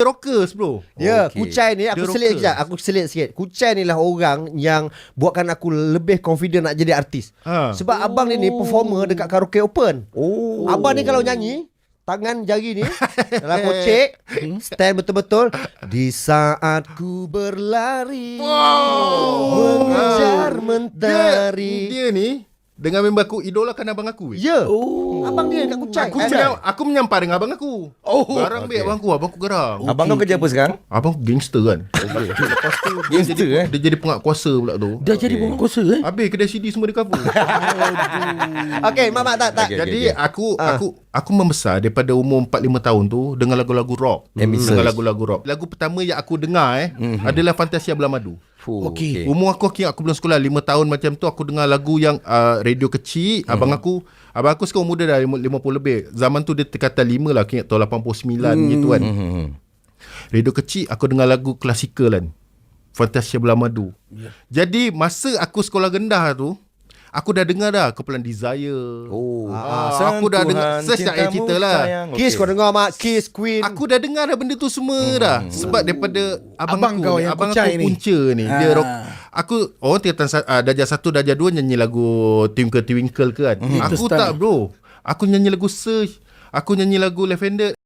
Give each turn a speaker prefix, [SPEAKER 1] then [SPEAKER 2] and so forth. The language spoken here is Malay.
[SPEAKER 1] Rockers bro.
[SPEAKER 2] Ya, Kuchai ni aku
[SPEAKER 1] The
[SPEAKER 2] selit
[SPEAKER 1] Rockers.
[SPEAKER 2] sekejap. Aku selit sikit. Kuchai ni lah orang yang buatkan aku lebih confident nak jadi artis. Sebab abang ni performer dekat karaoke open. Abang ni kalau nyanyi, tangan jari ni dalam kocek, stand betul-betul. Di saat ku berlari mengejar mentari.
[SPEAKER 1] Dia ni dengan member aku idolakan abang aku.
[SPEAKER 2] Ya. Abang dia kat Kuchai.
[SPEAKER 1] Aku menyampar dengan abang aku. Garang okay. Abang aku garang.
[SPEAKER 3] Abang kau kerja apa sekarang?
[SPEAKER 1] Abang gangster kan. Lepas tu
[SPEAKER 3] Gangster
[SPEAKER 1] dia jadi penguasa pula tu.
[SPEAKER 3] Dah jadi penguasa
[SPEAKER 1] Habis kedai CD semua dia cover.
[SPEAKER 2] Okey, Mamat tak.
[SPEAKER 3] Okay.
[SPEAKER 1] Jadi aku membesar daripada umur 4-5 tahun tu dengan lagu-lagu rock. Dengan lagu-lagu rock. Lagu pertama yang aku dengar adalah Fantasia Belah Madu.
[SPEAKER 3] Okey.
[SPEAKER 1] Umur aku belum sekolah 5 tahun macam tu, aku dengar lagu yang radio kecil. Abang aku sekarang muda dah 50 lebih. Zaman tu dia terkata 5 lah, aku ingat tahun 89 gitu kan. Radio kecil aku dengar lagu klasikal kan, Fantasia Belah Madu. Jadi masa aku sekolah rendah tu, aku dah dengar dah Kumpulan Desire. Aku dah dengar saya cerita lah.
[SPEAKER 2] Kiss kau dengar Mak, Kiss, Queen.
[SPEAKER 1] Aku dah dengar dah benda tu semua dah. Sebab daripada abang
[SPEAKER 4] kau yang
[SPEAKER 1] abang
[SPEAKER 4] Kuchai
[SPEAKER 1] aku
[SPEAKER 4] ni.
[SPEAKER 1] punca ni. Dia rock. Aku tingkatan darjah 1, darjah 2 nyanyi lagu Twinkle Twinkle ke kan. Aku tak bro. Aku nyanyi lagu Search. Aku nyanyi lagu Lavender.